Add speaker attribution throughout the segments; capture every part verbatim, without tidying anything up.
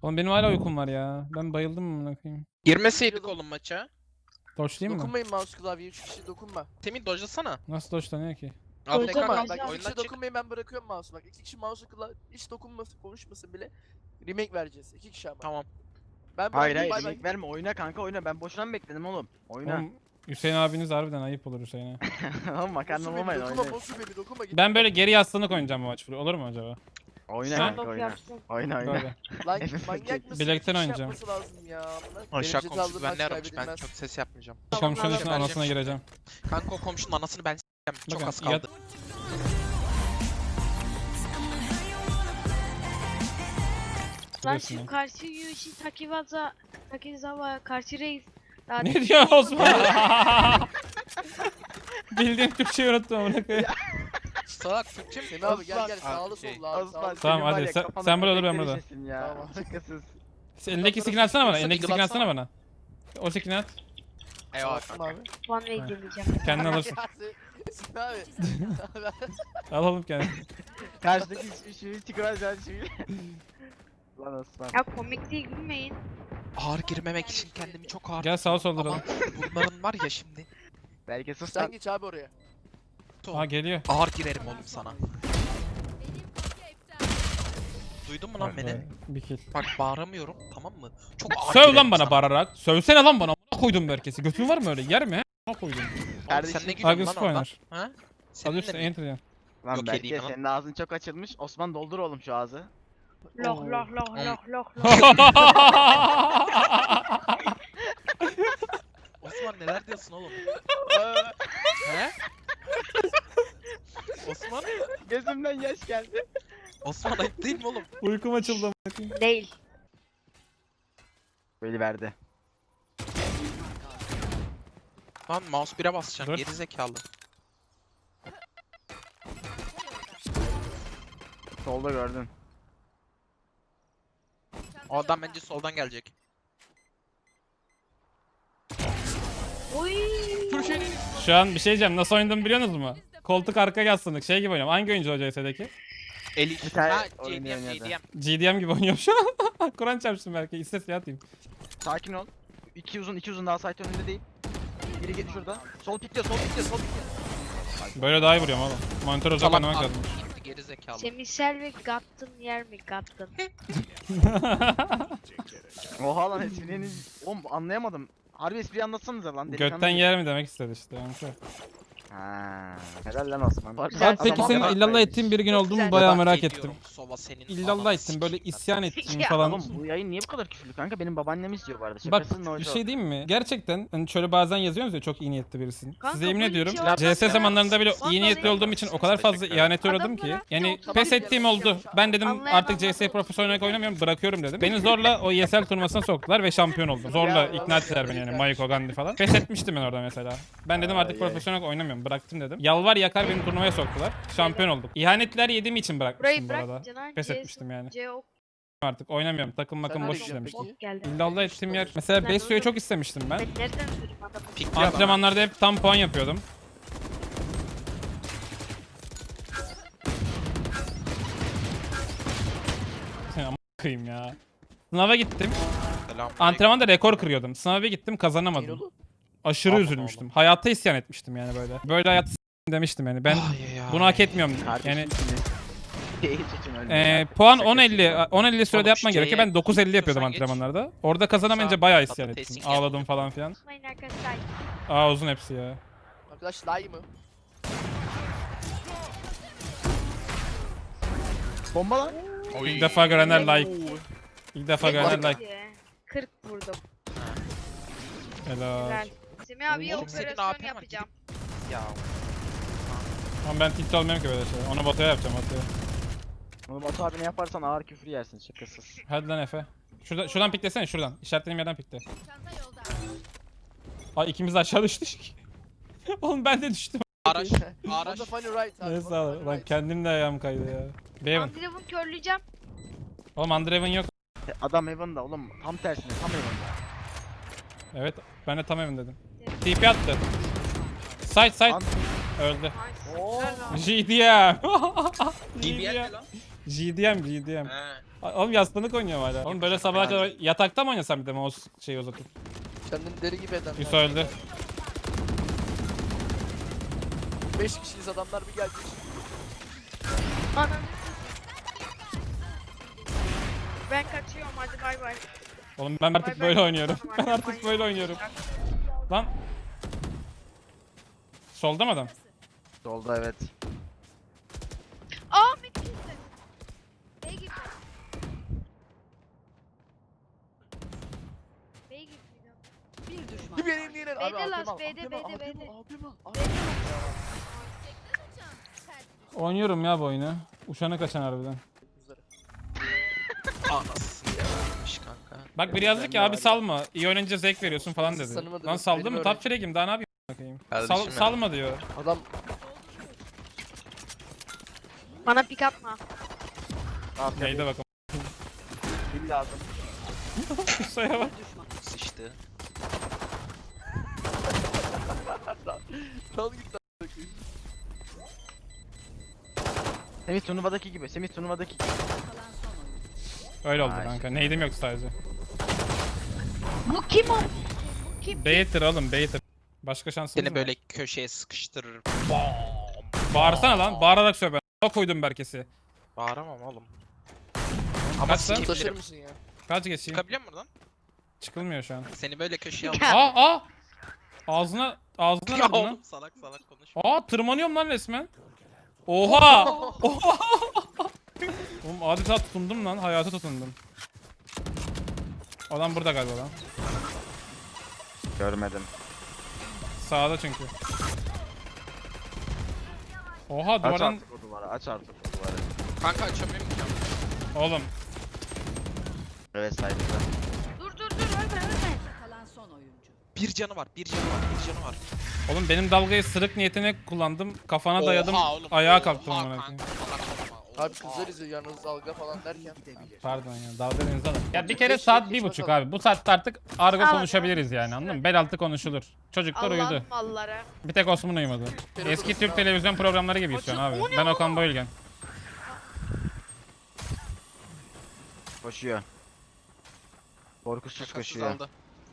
Speaker 1: Oğlum benim hala uykum var ya. Ben bayıldım mı amına koyayım?
Speaker 2: Girmeseydik oğlum maça.
Speaker 1: Doşlayayım mı?
Speaker 3: Dokunmayın mouse klavyeye, üç kişi dokunma.
Speaker 2: Temin dojlasana.
Speaker 1: Nasıl doşlanıyor ki?
Speaker 2: Abi ne
Speaker 4: Dokunma,
Speaker 2: kadar
Speaker 3: Bak iki
Speaker 2: oyundan
Speaker 3: kişi
Speaker 2: çık.
Speaker 3: dokunmayın, ben bırakıyorum mouse'u bak. İki kişi mouse'u kla hiç dokunmasın, konuşmasın bile. Remake vereceğiz. İki kişi ama.
Speaker 2: Tamam.
Speaker 3: Ben
Speaker 5: Hayır hayır
Speaker 3: bay bay.
Speaker 5: remake verme, oyna kanka oyna, ben boşuna mı bekledim oğlum? Oyna.
Speaker 1: Oğlum Hüseyin abiniz harbiden ayıp olur Hüseyin'e.
Speaker 5: Oğlum makarna
Speaker 3: Bosu baby,
Speaker 5: olmayın,
Speaker 3: dokunma,
Speaker 5: oyna.
Speaker 3: bosu baby, dokunma git.
Speaker 1: Ben böyle geri yaslanık oynayacağım bu maç. Olur mu acaba?
Speaker 5: Oyna
Speaker 1: Ha?
Speaker 5: kanka
Speaker 4: Of
Speaker 5: oyna.
Speaker 4: yapsın.
Speaker 5: Oyna oyna.
Speaker 1: Böyle.
Speaker 3: Lan
Speaker 5: Nefes
Speaker 3: manyak
Speaker 5: çek.
Speaker 3: mısın?
Speaker 1: Bilekten
Speaker 3: İki kişi
Speaker 1: oynayacağım.
Speaker 3: yapması lazım ya. Bunlar
Speaker 2: Aşağı
Speaker 3: dereceli
Speaker 2: komşu
Speaker 3: aldığın
Speaker 2: ben
Speaker 3: maç
Speaker 2: ne aramış, ben
Speaker 3: kaybedilmez.
Speaker 2: çok ses yapmayacağım.
Speaker 1: Komşunun
Speaker 4: Allah
Speaker 1: üstüne
Speaker 2: Allah.
Speaker 1: anasına gireceğim.
Speaker 2: Kanka o komşunun anasını ben s**eceğim. Çok
Speaker 1: Bakın,
Speaker 2: az kaldı.
Speaker 4: Lan
Speaker 1: Biliyorsun ya.
Speaker 4: şu karşı Yuji Takiwaza Takizawa karşı reis. Daha
Speaker 1: Ne diyor Osman? Bildiğim Türkçeyi unuttum amına koyayım.
Speaker 2: Salak Türkçe mi?
Speaker 3: Semih abi gel gel,
Speaker 5: Osman,
Speaker 3: sağlı
Speaker 2: şey,
Speaker 3: sollu abi,
Speaker 5: Osman
Speaker 3: sağlı.
Speaker 1: Tamam,
Speaker 5: senin var
Speaker 1: hadi,
Speaker 5: ya,
Speaker 1: sen-
Speaker 5: kafana
Speaker 1: sen burada dur, ben
Speaker 5: köpekler
Speaker 1: burada.
Speaker 5: işesin Ya.
Speaker 3: Tamam.
Speaker 5: Şakasız.
Speaker 1: Sen elindeki skin atsana bana. Elindeki skin atsana bana. O skin'i at.
Speaker 2: Eyvallah
Speaker 3: Attım
Speaker 2: kanka.
Speaker 3: abi.
Speaker 4: One way deneyeceğim.
Speaker 1: Kendin alırsın.
Speaker 3: Semih abi.
Speaker 1: Al oğlum kendini.
Speaker 5: Karşıdaki şu tikrar can şu. Lan Osman.
Speaker 4: Ya komik değil, gülmeyin.
Speaker 2: Ağır girmemek için kendimi çok ağır
Speaker 1: Gel sağa
Speaker 2: tutuyorum.
Speaker 1: solduralım.
Speaker 2: Ama bunların var ya şimdi.
Speaker 5: Belki sus
Speaker 3: Sen
Speaker 5: lan.
Speaker 3: geç abi oraya.
Speaker 1: Aa geliyor.
Speaker 2: Ağır girerim oğlum sana. Duydun mu lan
Speaker 1: Bak,
Speaker 2: beni?
Speaker 1: be, Bir kill.
Speaker 2: Bak bağıramıyorum, tamam mı? Çok ağır
Speaker 1: Söv
Speaker 2: girerim
Speaker 1: lan bana
Speaker 2: sana.
Speaker 1: bağırarak. Sövsene lan bana. Amına koydum herkesi. Götün var mı öyle? Yer mi he? Amına koydum.
Speaker 2: Oğlum
Speaker 5: Kardeşim,
Speaker 2: sen ne gülüyorsun lan
Speaker 1: Agresif
Speaker 2: oradan?
Speaker 1: oynar.
Speaker 2: Ha? Senin
Speaker 1: Alıyorsun
Speaker 2: de mi?
Speaker 1: enter ya.
Speaker 5: Lan
Speaker 2: Yok,
Speaker 5: belki
Speaker 2: edeyim lan.
Speaker 5: senin ağzın çok açılmış. Osman doldur oğlum şu ağzı.
Speaker 4: Loh loh loh
Speaker 2: Hmm.
Speaker 4: loh loh loh.
Speaker 2: Osman neler diyorsun oğlum? He? Osman?
Speaker 5: Gözümden yaş geldi.
Speaker 2: Osman ayıp değil mi oğlum?
Speaker 1: Uykum açıldı. amına koyayım.
Speaker 4: Değil.
Speaker 5: Böyle verdi.
Speaker 2: Lan mouse bire basacağım,
Speaker 1: Dur.
Speaker 2: geri zekalı.
Speaker 5: Solda gördün.
Speaker 2: O adam bence soldan gelecek.
Speaker 4: Oy.
Speaker 1: Şu an bir şey diyeceğim. Nasıl oynadığımı biliyor musunuz mu? Koltuk arka yaslanık. Şey gibi oynuyorum. Hangi oyuncu o C S'deki?
Speaker 2: Elif.
Speaker 5: Bir tane
Speaker 2: Ha,
Speaker 5: oynuyor
Speaker 2: J D M,
Speaker 5: ya
Speaker 2: J
Speaker 5: da.
Speaker 2: D M.
Speaker 1: G D M gibi oynuyorum şu an. Kur'an çarpsın belki. İstes ya atayım.
Speaker 5: Sakin ol. İki uzun, iki uzun daha site önünde değil. Biri git şurada. Sol pikliyor, sol pikliyor, sol pikliyor.
Speaker 1: Böyle daha iyi vuruyorum oğlum. Monitör uzak
Speaker 2: Salak
Speaker 1: oynamak
Speaker 2: abi,
Speaker 1: lazım.
Speaker 2: gitti geri zekalı.
Speaker 4: Semisel ve Gattın yer mi Gattın?
Speaker 5: Oha lan esprilerini... Oğlum anlayamadım. Harbi espriyi anlatsanıza lan. delikanlı
Speaker 1: Götten
Speaker 5: gibi.
Speaker 1: yer mi demek istedi işte. Yani şu.
Speaker 5: Ha, helal lan Osman.
Speaker 4: Güzel.
Speaker 1: Abi peki
Speaker 4: Adam
Speaker 1: senin
Speaker 4: adam
Speaker 1: illallah ettiğin bir gün oldu mu
Speaker 4: Güzel.
Speaker 1: bayağı
Speaker 2: Bak,
Speaker 1: merak
Speaker 2: ediyorum,
Speaker 1: ettim.
Speaker 2: Sova senin
Speaker 1: İllallah
Speaker 2: ananı
Speaker 1: ettim böyle
Speaker 2: sikeyim
Speaker 1: isyan
Speaker 2: ben.
Speaker 1: ettim
Speaker 4: Ya.
Speaker 1: falan.
Speaker 5: Oğlum bu yayın niye bu kadar küfürlü kanka? Benim babaannem izliyor bu arada.
Speaker 1: Bak
Speaker 5: Şakasız no
Speaker 1: bir
Speaker 5: joke.
Speaker 1: şey diyeyim mi? Gerçekten hani şöyle bazen yazıyorsunuz ya çok iyi niyetli birisin.
Speaker 4: Kanka,
Speaker 1: Size yemin
Speaker 4: böyle
Speaker 1: ediyorum
Speaker 4: bir şey olmaz
Speaker 1: C S
Speaker 4: ya.
Speaker 1: zamanlarında bile iyi
Speaker 4: Vallahi
Speaker 1: niyetli
Speaker 4: ya.
Speaker 1: olduğum için o kadar fazla ihanete uğradım ki.
Speaker 4: Adamlara-
Speaker 1: Yani
Speaker 4: Yok,
Speaker 1: pes
Speaker 3: tamam.
Speaker 1: ettiğim oldu. Ben dedim
Speaker 4: Anlayamadım.
Speaker 1: artık C S profesyonel olarak oynamıyorum bırakıyorum dedim. Beni zorla o E S L turnuvasına soktular ve şampiyon oldum. Zorla
Speaker 5: Ya,
Speaker 1: ikna ettiler beni yani Mayko Gandhi falan. Pes etmiştim ben orada mesela. Ben dedim artık
Speaker 5: Ay, ay.
Speaker 1: profesyonel olarak oynamıyorum bıraktım dedim. Yalvar yakar beni turnuvaya soktular. Şampiyon olduk. İhanetler yediğim için bırakmıştım
Speaker 4: Burayı
Speaker 1: bu arada.
Speaker 4: bırak Canan.
Speaker 1: Pes
Speaker 4: C-
Speaker 1: etmiştim yani.
Speaker 4: C O
Speaker 1: Artık oynamıyorum. Takım makım
Speaker 3: nereye
Speaker 1: boş
Speaker 3: gidiyorsun
Speaker 1: işlemiştim.
Speaker 3: peki?
Speaker 4: Ok geldi.
Speaker 1: İllallah ettiğim yer. Mesela
Speaker 4: Ben
Speaker 1: Besyo'yu
Speaker 4: orada-
Speaker 1: çok istemiştim ben.
Speaker 4: Ben nereden duydum adamı?
Speaker 2: Pikli adam.
Speaker 1: Antrenmanlarda hep tam puan yapıyordum. Ama kıyım ya. Sınava gittim.
Speaker 2: Selam.
Speaker 1: Antrenmanda rekor kırıyordum. Sınava gittim kazanamadım.
Speaker 3: Neyin oğlum?
Speaker 1: Aşırı
Speaker 2: Aman
Speaker 1: üzülmüştüm. Hayata isyan etmiştim yani böyle. Böyle hayat s- demiştim yani. Ben
Speaker 2: Ay, ay,
Speaker 1: bunu
Speaker 2: ay.
Speaker 1: hak etmiyorum.
Speaker 5: Kardeşim
Speaker 1: Yani
Speaker 5: şimdi. Hiç için öyle.
Speaker 1: e, puan
Speaker 5: Şakası
Speaker 1: on elli
Speaker 5: var.
Speaker 1: on elli sürede
Speaker 2: Oğlum,
Speaker 1: yapman
Speaker 2: şeye-
Speaker 1: gerekiyor. Ben dokuz elli yapıyordum
Speaker 2: istiyorsan geç.
Speaker 1: antrenmanlarda. Orada kazanamayınca
Speaker 2: Sağ-
Speaker 1: bayağı isyan
Speaker 2: patatesin
Speaker 1: ettim.
Speaker 2: gel.
Speaker 1: Ağladım falan filan.
Speaker 4: Unutmayın arkadaşlar.
Speaker 1: Aa uzun hepsi ya.
Speaker 3: Arkadaş lie mı?
Speaker 5: Bomba lan.
Speaker 1: İlk defa görenler like. İlk defa görenler like.
Speaker 4: Like. kırk vurdum.
Speaker 1: Helal.
Speaker 4: Helal. Semih abiye
Speaker 2: Oğlum, senin A
Speaker 4: operasyon
Speaker 2: P var,
Speaker 4: yapacağım.
Speaker 2: Ya.
Speaker 1: Ama ben tilt olmuyorum ki böyle şey. Onu Batu'ya yapacağım Batu'ya.
Speaker 5: Onu Batu abi ne yaparsan ağır küfür yersin şakasız.
Speaker 1: Hadi lan Efe. Şuradan, şuradan piklesene şuradan. İşaretlediğim yerden pikle. Ay ikimiz de aşağı düştük. Oğlum ben de düştüm.
Speaker 2: Araç.
Speaker 3: On
Speaker 2: Araç.
Speaker 3: the funny right abi.
Speaker 1: Neyse
Speaker 3: on the
Speaker 1: abi.
Speaker 3: funny
Speaker 1: Lan
Speaker 3: right.
Speaker 1: kendim de ayağım kaydı ya. Bevan.
Speaker 4: Andrev'in körleyeceğim.
Speaker 1: Oğlum Andreven yok.
Speaker 5: E, Adam Evan'da oğlum tam tersine tam Evan'da.
Speaker 1: Evet ben de tam evim dedim. T P attı. Side side.
Speaker 5: An-
Speaker 1: Öldü.
Speaker 4: Nice.
Speaker 5: Oo.
Speaker 4: Helal lan.
Speaker 1: G D M.
Speaker 2: D B L
Speaker 1: G D M.
Speaker 2: mi lan?
Speaker 1: G D M G D M.
Speaker 2: He.
Speaker 1: Oğlum yaslanık oynuyorum hala. Oğlum böyle sabaha kadar yatakta mı oynasam bir de mouse şeyi uzatıp?
Speaker 3: Kendini deli gibi eden.
Speaker 1: Yusuf öldü.
Speaker 3: beş kişiyiz adamlar bir geldi.
Speaker 4: Ananı. Ben kaçıyorum hadi bay bay.
Speaker 1: Oğlum ben artık
Speaker 4: Bay bay.
Speaker 1: böyle oynuyorum. Ben
Speaker 4: Hadi
Speaker 1: artık
Speaker 4: bay
Speaker 1: böyle
Speaker 4: bay.
Speaker 1: oynuyorum. Lan. Solda mı adam?
Speaker 5: Solda evet.
Speaker 4: Aa mid girdi. Bey girdi. Bey girdi.
Speaker 6: Bir düşman.
Speaker 3: Bir benim diğer. Abi
Speaker 4: B'de
Speaker 3: abim
Speaker 4: last,
Speaker 3: al.
Speaker 4: B'de,
Speaker 3: abim
Speaker 4: B'de,
Speaker 3: al, abim
Speaker 4: B'de.
Speaker 3: al, abim al, abim al.
Speaker 1: Oynuyorum ya bu oyunu. Uçana kaçan harbiden.
Speaker 2: Anasını yapmış kanka.
Speaker 1: Bak biri yazdı ki abi salma. İyi oynayınca zevk veriyorsun falan dedi.
Speaker 3: Sanırım
Speaker 1: Lan saldım
Speaker 3: benim
Speaker 1: mı?
Speaker 3: öyle.
Speaker 1: Top frag'im daha ne yapayım? Bakayım.
Speaker 2: Kardeşim
Speaker 1: Sal,
Speaker 2: ya.
Speaker 1: salma diyor.
Speaker 3: Adam
Speaker 4: Bana pick atma.
Speaker 1: Neyde bakalım.
Speaker 5: Kill lazım.
Speaker 1: Kusaya bak.
Speaker 2: Sıçtı.
Speaker 3: Kal git lan.
Speaker 5: Semih turnuvadaki gibi. Semih turnuvadaki gibi.
Speaker 1: Öyle oldu
Speaker 5: Ay.
Speaker 1: kanka. Neydim yok sadece.
Speaker 4: Bu kim o? Bu kim?
Speaker 1: Baiter oğlum Baiter. Başka şansımız
Speaker 2: Seni
Speaker 1: mı?
Speaker 2: böyle köşeye sıkıştırır.
Speaker 1: Bağırsana lan. Bağırarak söyle ben. Ne koydum Berkes'i.
Speaker 2: Bağıramam oğlum.
Speaker 1: Kaç lan?
Speaker 2: sikeyim
Speaker 3: Taşır
Speaker 2: derim.
Speaker 3: mısın ya?
Speaker 1: Kaç geçeyim?
Speaker 2: Çıkabiliyor musun buradan?
Speaker 1: Çıkılmıyor şu an.
Speaker 2: Seni böyle köşeye al.
Speaker 4: Ya.
Speaker 1: Aa aa. Ağzına ağzına
Speaker 2: Ya
Speaker 1: aldın lan.
Speaker 2: oğlum salak salak konuş.
Speaker 1: Aa tırmanıyorum lan resmen. Oha! Oha! Oğlum adeta tutundum lan. Hayata tutundum. Adam burada galiba lan.
Speaker 5: Görmedim.
Speaker 1: Sağda çünkü. Oha
Speaker 5: Aç
Speaker 1: duvardan...
Speaker 5: artık o duvarı. Aç artık o duvarı.
Speaker 2: Kanka açamıyorum ki.
Speaker 1: Oğlum.
Speaker 5: Evet saygıda.
Speaker 4: Dur dur dur ölme ölme.
Speaker 6: Kalan son oyuncu.
Speaker 2: Bir canı var, bir canı var, bir canı var.
Speaker 1: Oğlum benim dalgayı sırık niyetine kullandım. Kafana
Speaker 2: Oha
Speaker 1: dayadım.
Speaker 2: oğlum,
Speaker 1: Ayağa
Speaker 2: oha
Speaker 1: kalktım amına
Speaker 2: kanka,
Speaker 1: koyayım.
Speaker 2: salak olma,
Speaker 3: Abi
Speaker 2: oha.
Speaker 3: kızlar izliyor yalnız dalga falan derken.
Speaker 1: Pardon ya dalga denize alın. Ya bir kere
Speaker 3: Geç,
Speaker 1: saat
Speaker 3: geç
Speaker 1: bir buçuk
Speaker 3: bakalım.
Speaker 1: abi. Bu saatte artık argo
Speaker 4: Al,
Speaker 1: konuşabiliriz yani anladın mı? Bel altı konuşulur. Çocuklar uyudu.
Speaker 4: Allah'ın malları.
Speaker 1: Bir tek Osman uyumadı. Eski Türk televizyon programları gibi şu an abi.
Speaker 4: O ne
Speaker 1: Ben
Speaker 4: o?
Speaker 1: Okan Bayülgen.
Speaker 5: Koşuyor. Korkusuz
Speaker 2: Şakasız
Speaker 5: koşuyor.
Speaker 2: aldı.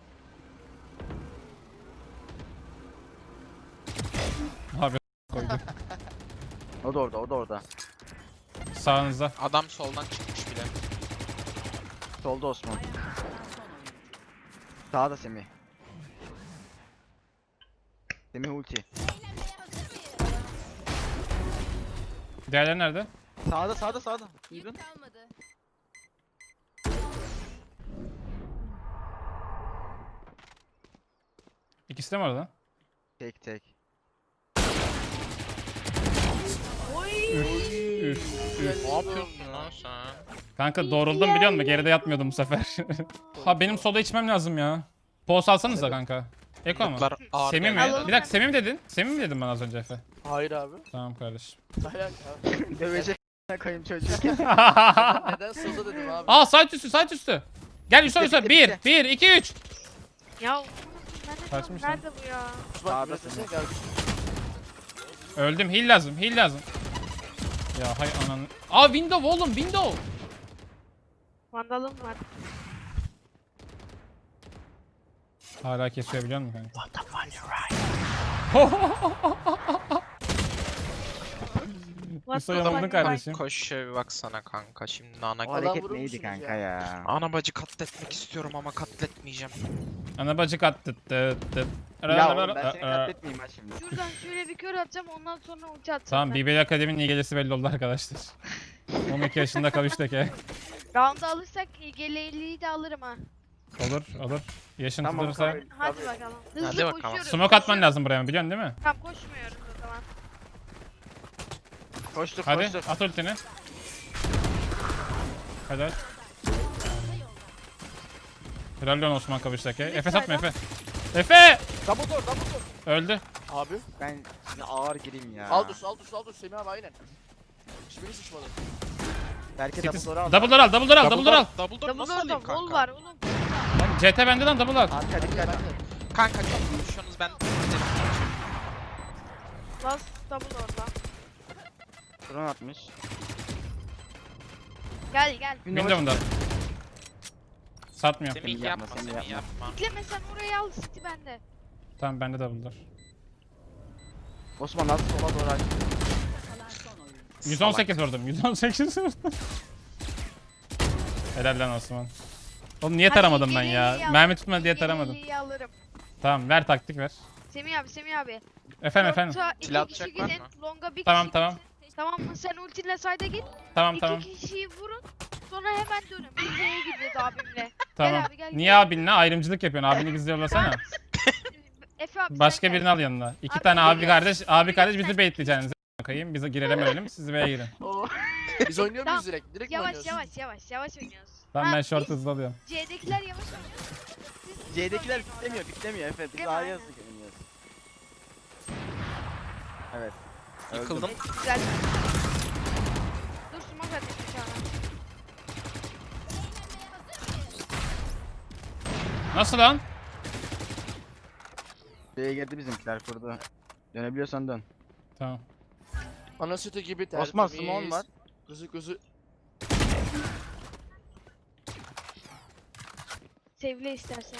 Speaker 1: Abi koydu.
Speaker 5: O da orada, o da orada.
Speaker 1: Sağınızda.
Speaker 2: Adam soldan çıkmış bile.
Speaker 5: Solda Osman.
Speaker 6: Kalan son oyuncu.
Speaker 5: Sağda Semih. Semih ulti.
Speaker 1: Diğerleri nerede?
Speaker 5: Sağda, sağda, sağda. Duydun?
Speaker 1: İkisi de mi orada?
Speaker 5: Tek tek.
Speaker 1: Üf.
Speaker 2: Ne yapıyorsun lan sen?
Speaker 1: Kanka doğruldum biliyor musun? Geride yatmıyordum bu sefer. Ha benim soda içmem lazım ya. Poğuz alsanıza kanka. Eko mu?
Speaker 2: Yıllar ağır
Speaker 1: Semih mi?
Speaker 2: geldi.
Speaker 4: Alalım.
Speaker 1: Bir dakika Semih mi dedin? Semih mi dedin bana az önce Efe?
Speaker 3: Hayır abi.
Speaker 1: Tamam kardeşim.
Speaker 3: Dayak abi.
Speaker 5: Dövecek koyayım çocuğu.
Speaker 3: Neden soda dedim abi.
Speaker 1: Aa site üstü site üstü. Gel Yusuf
Speaker 5: Bitti,
Speaker 1: Yusuf.
Speaker 5: bitti,
Speaker 1: bir,
Speaker 5: bitti.
Speaker 1: bir, iki, üç.
Speaker 4: Ya ben de
Speaker 1: Kaçmış lan.
Speaker 4: nerede bu ya?
Speaker 3: Bak
Speaker 5: Sağda
Speaker 3: üretesene
Speaker 5: Semih.
Speaker 3: kardeşim.
Speaker 1: Öldüm. Heal lazım. Heal lazım. Ya hay ananı. Aa window oğlum window.
Speaker 4: Vandalım var.
Speaker 1: Hala kesiyor biliyor musun kanka?
Speaker 2: What the fuck you right?
Speaker 4: What
Speaker 1: Yusuf
Speaker 4: the
Speaker 1: yanıldın
Speaker 4: fuck?
Speaker 1: kardeşim.
Speaker 2: Koş şöyle bir baksana kanka. Şimdi ana,
Speaker 5: O
Speaker 3: Adam
Speaker 5: hareket
Speaker 3: vurur
Speaker 5: neydi
Speaker 3: musunuz
Speaker 5: kanka
Speaker 3: ya?
Speaker 5: ya?
Speaker 2: ana bacı katletmek istiyorum ama katletmeyeceğim.
Speaker 1: Ana bacı kat tıt tıt tıt.
Speaker 5: Ya oğlum ben seni katletmeyeyim ha şimdi.
Speaker 4: Şuradan şöyle bir kör atacağım ondan sonra ulti atacağım.
Speaker 1: Tamam
Speaker 4: ben.
Speaker 1: B B L Akademi'nin iyi gelesi belli oldu arkadaşlar. on iki yaşında kavuştuk ya.
Speaker 4: Round'u alırsak geleliği de alırım ha.
Speaker 1: Olur olur. Yaşın
Speaker 5: Tamam,
Speaker 1: tutulursa.
Speaker 5: kabul.
Speaker 4: Hadi
Speaker 5: Tabii.
Speaker 4: bakalım. Hızlı
Speaker 2: Hadi bakalım.
Speaker 4: koşuyoruz.
Speaker 1: Smoke atman
Speaker 4: koşuyoruz.
Speaker 1: lazım buraya biliyorsun değil mi?
Speaker 4: Tamam koşmuyoruz o zaman.
Speaker 5: Koştuk
Speaker 1: Hadi
Speaker 5: koştuk.
Speaker 1: at ultini. Hadi at. Helal lan Osman Kavuş'taki. Efe satma Efe. Efe!
Speaker 5: Double door double door.
Speaker 1: Öldü.
Speaker 3: Abi.
Speaker 5: Ben şimdi ağır gireyim ya.
Speaker 3: Aldus Aldus Aldus Semih abi aynen. Hiçbiri sıçmadı.
Speaker 5: Belki
Speaker 1: City-
Speaker 5: double door'u al.
Speaker 1: Double door al, double door al, double door al.
Speaker 2: Double door
Speaker 4: Double
Speaker 2: nasıl alayım
Speaker 4: door'da wall
Speaker 2: kanka?
Speaker 4: var oğlum.
Speaker 1: Lan C T bende lan double al.
Speaker 5: Arka dikkat.
Speaker 2: Kanka çok konuşuyorsunuz ben.
Speaker 4: Bas double orada.
Speaker 5: Drone atmış.
Speaker 4: Gel gel.
Speaker 1: Window'da. Satmıyor.
Speaker 2: Semih
Speaker 5: yapma,
Speaker 2: yapma,
Speaker 5: Semih
Speaker 2: Semih
Speaker 5: yapma.
Speaker 2: yapma.
Speaker 4: Bekleme sen orayı al City bende.
Speaker 1: Tamam bende double'dır.
Speaker 5: Osman az sola doğru aç.
Speaker 6: Kalan son oyuncu.
Speaker 1: yüz on sekiz vurdum. yüz on sekiz vurdum. Helal lan Osman. Oğlum niye
Speaker 4: Hadi
Speaker 1: taramadım ben
Speaker 4: geriye
Speaker 1: ya?
Speaker 4: al.
Speaker 1: Mermi tutma diye taramadım.
Speaker 4: Geriye alırım.
Speaker 1: Tamam ver taktik ver.
Speaker 4: Semih abi Semih abi.
Speaker 1: Efendim efendim.
Speaker 4: Short'a iki
Speaker 2: Silah
Speaker 4: kişi
Speaker 2: atacak var
Speaker 4: gidin.
Speaker 2: mı?
Speaker 4: Longa bir
Speaker 1: Tamam
Speaker 4: kişi
Speaker 1: tamam.
Speaker 4: gitsin. Tamam mı? Sen ultinle sayda git.
Speaker 1: Tamam
Speaker 4: İki
Speaker 1: tamam.
Speaker 4: kişiyi vurun. Sonra hemen dönün. Biz B'ye gideceğiz abimle.
Speaker 1: Tamam.
Speaker 4: abi, gel,
Speaker 1: Niye
Speaker 4: gel.
Speaker 1: abinle ayrımcılık yapıyorsun? Abini bizi yollasana.
Speaker 4: Efe abi
Speaker 1: Başka
Speaker 4: sen
Speaker 1: birini
Speaker 4: gel.
Speaker 1: al yanına. İki
Speaker 4: Abi,
Speaker 1: tane abi
Speaker 4: gel.
Speaker 1: kardeş, abi
Speaker 4: Gel,
Speaker 1: kardeş
Speaker 4: sen-
Speaker 1: bizi baitleyeceksiniz. Bakayım biz girelim ölelim siz B'ye girin.
Speaker 3: Biz oynuyor
Speaker 4: Tamam.
Speaker 3: muyuz direkt? Direkt mi
Speaker 4: Yavaş
Speaker 3: oynuyoruz?
Speaker 4: yavaş yavaş yavaş oynuyoruz.
Speaker 1: Tamam
Speaker 4: Ha,
Speaker 1: ben short
Speaker 4: biz
Speaker 1: hızlı alıyorum.
Speaker 4: C'dekiler yavaş oynuyor. Siz-
Speaker 5: C'dekiler piklemiyor, piklemiyor Efe. Biz
Speaker 4: Değil mi?
Speaker 5: A'ya
Speaker 4: Aynen.
Speaker 5: hızlı oynuyoruz. Evet.
Speaker 2: Yıkıldım.
Speaker 4: Güzel. Dur smoke atayım bir tane.
Speaker 1: Nasıl lan?
Speaker 5: B'ye girdi bizimkiler kurdu. Dönebiliyorsan dön.
Speaker 1: Tamam.
Speaker 3: Ana sütü gibi tertemiz.
Speaker 5: Osman Simon var.
Speaker 3: Gözü gözü.
Speaker 4: Sevle istersen.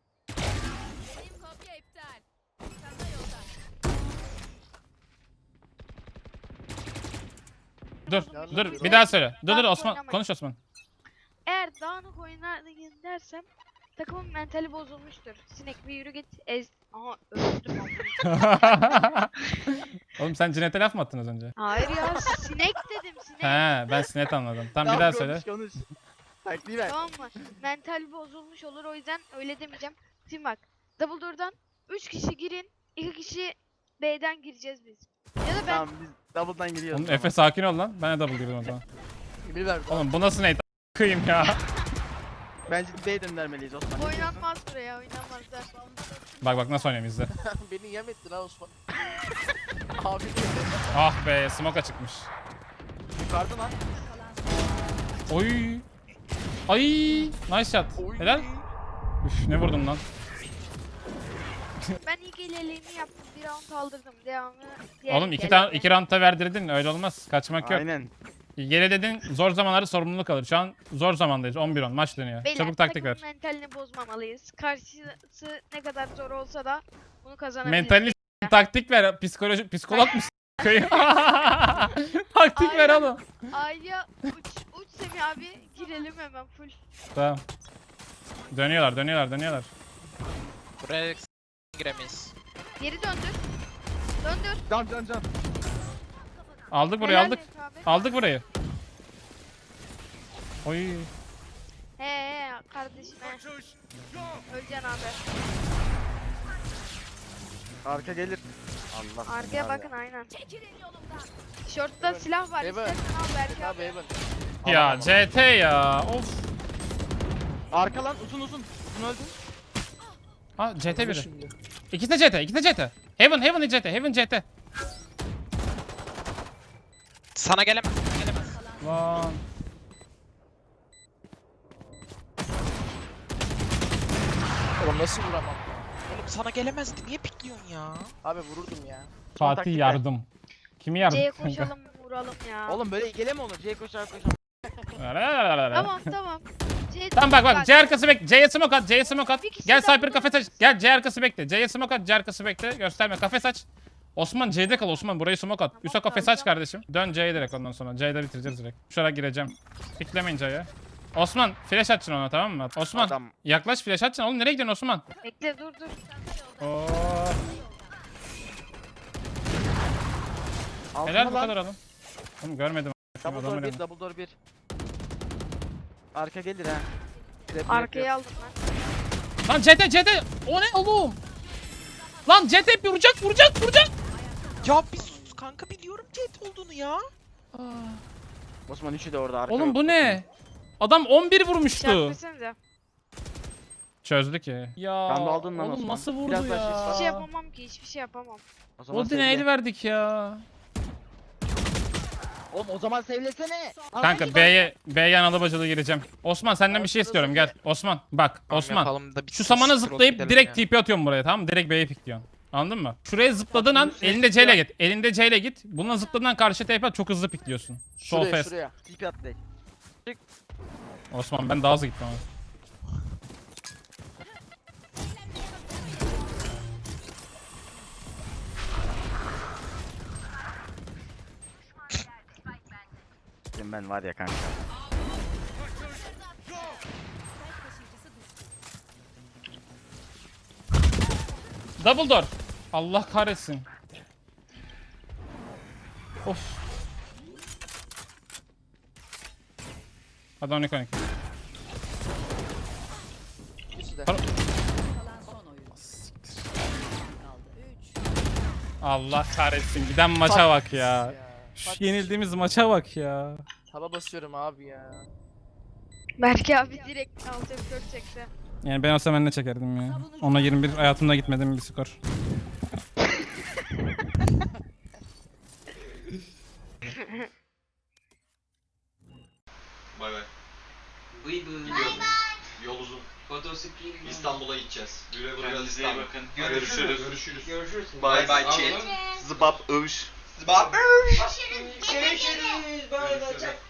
Speaker 1: Dur
Speaker 3: Yalnız
Speaker 1: dur
Speaker 3: bir-
Speaker 1: bir daha söyle. Dur dur
Speaker 4: Dağınık
Speaker 1: Osman
Speaker 4: oynamayın.
Speaker 1: konuş Osman.
Speaker 4: Eğer dağınık oynadın dersem takımın mentali bozulmuştur. Sinek bir yürü git ez. Aha öldüm ama.
Speaker 1: Oğlum sen Cüneyt'e laf mı attın az önce?
Speaker 4: Hayır ya sinek dedim sinek.
Speaker 1: He ben sinet anladım. Tamam bir daha söyle.
Speaker 5: Konuş konuş. Taktiği ver.
Speaker 4: Tamam mı? Mental bozulmuş olur o yüzden öyle demeyeceğim. Şimdi bak. Double door'dan üç kişi girin. iki kişi B'den gireceğiz biz. Ya da ben
Speaker 5: Tamam biz double'dan giriyoruz.
Speaker 1: Oğlum Efe sakin ol lan. Ben de double girdim o zaman.
Speaker 3: Emir verdi.
Speaker 1: Oğlum bu nasıl neydi? Kıyım ya.
Speaker 5: Bence B'ye döndürmeliyiz Osman. Ne diyorsun?
Speaker 4: oynanmaz buraya oynanmazlar.
Speaker 1: Bak bak nasıl oynuyorum izle.
Speaker 3: Beni yem ettin ha Osman. Abi
Speaker 1: Ah be smoke çıkmış.
Speaker 5: Yukarıda lan.
Speaker 1: Oy. Ay nice shot.
Speaker 3: Oy.
Speaker 1: Helal. Üf ne vurdum lan.
Speaker 4: Ben ilk ilerleyimi yaptım. Bir round aldırdım. Devamı diğer
Speaker 1: Oğlum iki
Speaker 4: geldi.
Speaker 1: tane iki roundda verdirdin öyle olmaz. Kaçmak yok.
Speaker 5: Aynen.
Speaker 1: Geri dedin zor zamanlarda sorumluluk alır. Şu an zor zamandayız. on bir on maç dönüyor.
Speaker 4: Beyler,
Speaker 1: Çabuk taktik ver.
Speaker 4: takımın mentalini bozmamalıyız. Karşısı ne kadar zor olsa da bunu kazanabiliriz.
Speaker 1: Mentalini s- taktik ver. Psikoloji psikolog musun? Taktik ver
Speaker 4: Aynen.
Speaker 1: oğlum.
Speaker 4: A'ya uç, uç Semih abi girelim hemen full.
Speaker 1: Tamam. Dönüyorlar, dönüyorlar, dönüyorlar.
Speaker 2: Buraya s- giremeyiz.
Speaker 4: Geri döndür. Döndür.
Speaker 5: Can can can.
Speaker 1: Aldık burayı,
Speaker 4: Helal
Speaker 1: aldık.
Speaker 4: Efe abi.
Speaker 1: Aldık burayı. Oy.
Speaker 4: He he kardeşim he. Öleceksin abi.
Speaker 5: Arka gelir. Allah seni
Speaker 4: Arkaya
Speaker 5: var ya.
Speaker 4: bakın aynen. Short'ta silah var.
Speaker 3: Evan.
Speaker 4: İstersen al belki
Speaker 3: abi
Speaker 4: abi.
Speaker 3: Evan.
Speaker 1: Ya C T ya. Of.
Speaker 5: Arka lan uzun uzun. Uzun öldü.
Speaker 1: Ha C T biri.
Speaker 3: Şimdi.
Speaker 1: İkisi de C T, ikisi de C T. Heaven, Heaven C T, Heaven C T.
Speaker 2: Sana gelemez. Sana gelemez.
Speaker 1: Lan.
Speaker 3: Oğlum nasıl vuramam?
Speaker 2: Oğlum sana gelemezdi. Niye pikliyorsun ya?
Speaker 3: Abi vururdum ya.
Speaker 1: Fatih
Speaker 5: taktik ver.
Speaker 1: yardım. Kimi yardım?
Speaker 4: C'ye koşalım vuralım ya.
Speaker 5: Oğlum böyle ikile mi olur? C koşar koşar.
Speaker 4: Tamam tamam. C
Speaker 1: Tamam bak bak C arkası bekle. C'ye smoke at, C'ye smoke at.
Speaker 4: Bir kişi
Speaker 1: Gel
Speaker 4: daha
Speaker 1: Cypher kafes aç. Gel C arkası bekle. C'ye smoke at, C arkası bekle. Gösterme kafes aç. Osman C'de kal Osman burayı smoke at. Üsa kafes aç kardeşim. Dön C'ye direkt ondan sonra. C'de bitireceğiz direkt. Şuraya gireceğim. Piklemeyin C'ye. Osman flash açın ona tamam mı? Osman
Speaker 5: Adam.
Speaker 1: yaklaş flash açın. Oğlum nereye gidiyorsun Osman?
Speaker 4: Bekle dur dur.
Speaker 1: Oo.
Speaker 5: Altına
Speaker 1: Helal bu
Speaker 5: lan.
Speaker 1: kadar oğlum. Oğlum görmedim.
Speaker 5: Double
Speaker 1: Adamı
Speaker 5: door bir,
Speaker 1: öyle-
Speaker 5: double door bir. Arka gelir ha. Trap
Speaker 4: Arkaya
Speaker 5: yok.
Speaker 4: aldım ben.
Speaker 1: Lan C T C T. O ne oğlum? Lan C T vuracak vuracak vuracak.
Speaker 2: Ya bir sus kanka biliyorum jet olduğunu ya.
Speaker 5: Osman üçü de orada arka.
Speaker 1: Oğlum
Speaker 5: yok.
Speaker 1: bu ne? Adam on bir vurmuştu.
Speaker 4: Çarpmasınca.
Speaker 1: Çözdü ki. Ya
Speaker 5: Ben de aldın lan
Speaker 1: oğlum
Speaker 5: Osman.
Speaker 1: nasıl vurdu
Speaker 5: Biraz daha
Speaker 1: ya?
Speaker 5: şiş var.
Speaker 4: Hiçbir şey yapamam ki hiçbir şey yapamam.
Speaker 5: O zaman
Speaker 1: Odin'e
Speaker 5: sevle.
Speaker 1: el verdik ya.
Speaker 5: Oğlum o zaman sevlesene.
Speaker 1: Kanka B'ye B'ye analı bacılı gireceğim. Osman senden bir şey istiyorum gel. Osman bak
Speaker 2: Tamam,
Speaker 1: Osman.
Speaker 2: yapalım da bir
Speaker 1: Şu
Speaker 2: sus,
Speaker 1: samana
Speaker 2: scroll
Speaker 1: zıplayıp
Speaker 2: gidelim
Speaker 1: direkt
Speaker 2: ya.
Speaker 1: T P atıyorum buraya tamam mı? Direkt B'ye pikliyorsun. Anladın mı? Şuraya zıpladığın an
Speaker 5: bunu şey
Speaker 1: elinde C ile
Speaker 5: istiyor.
Speaker 1: git. Elinde C ile git. Bununla zıpladığın an karşı T P at çok hızlı pikliyorsun. Sol
Speaker 3: Şuraya
Speaker 1: fast.
Speaker 3: şuraya.
Speaker 5: Tipi at direkt.
Speaker 1: Osman ben daha hızlı gittim ama.
Speaker 5: Senin ben var ya kanka.
Speaker 1: Double door. Allah kahretsin. Of. Hadi on iki on iki.
Speaker 3: İkisi de.
Speaker 1: Para-
Speaker 6: Kalan son oyun. Kaldı. üç.
Speaker 1: Allah kahretsin. Giden maça bak ya. Şu
Speaker 3: Bak,
Speaker 1: yenildiğimiz maça bak ya.
Speaker 3: Taba basıyorum abi ya.
Speaker 4: Berke abi direkt alt F dört çekti.
Speaker 1: Yani ben olsam ben ne çekerdim ya. Ona yirmi bir hayatımda gitmedim bir skor.
Speaker 7: Bay bay.
Speaker 8: Bıy bıy.
Speaker 7: Gidiyorum. Yol uzun.
Speaker 8: Fotosikli.
Speaker 7: İstanbul'a gideceğiz. Güle güle
Speaker 8: Kendinize iyi
Speaker 7: İstanbul.
Speaker 8: bakın.
Speaker 7: Görüşürüz. Görüşürüz.
Speaker 8: Görüşürüz.
Speaker 7: Bay bay chat. Zıbap övüş. Zıbap övüş.
Speaker 8: Görüşürüz. Bay bay.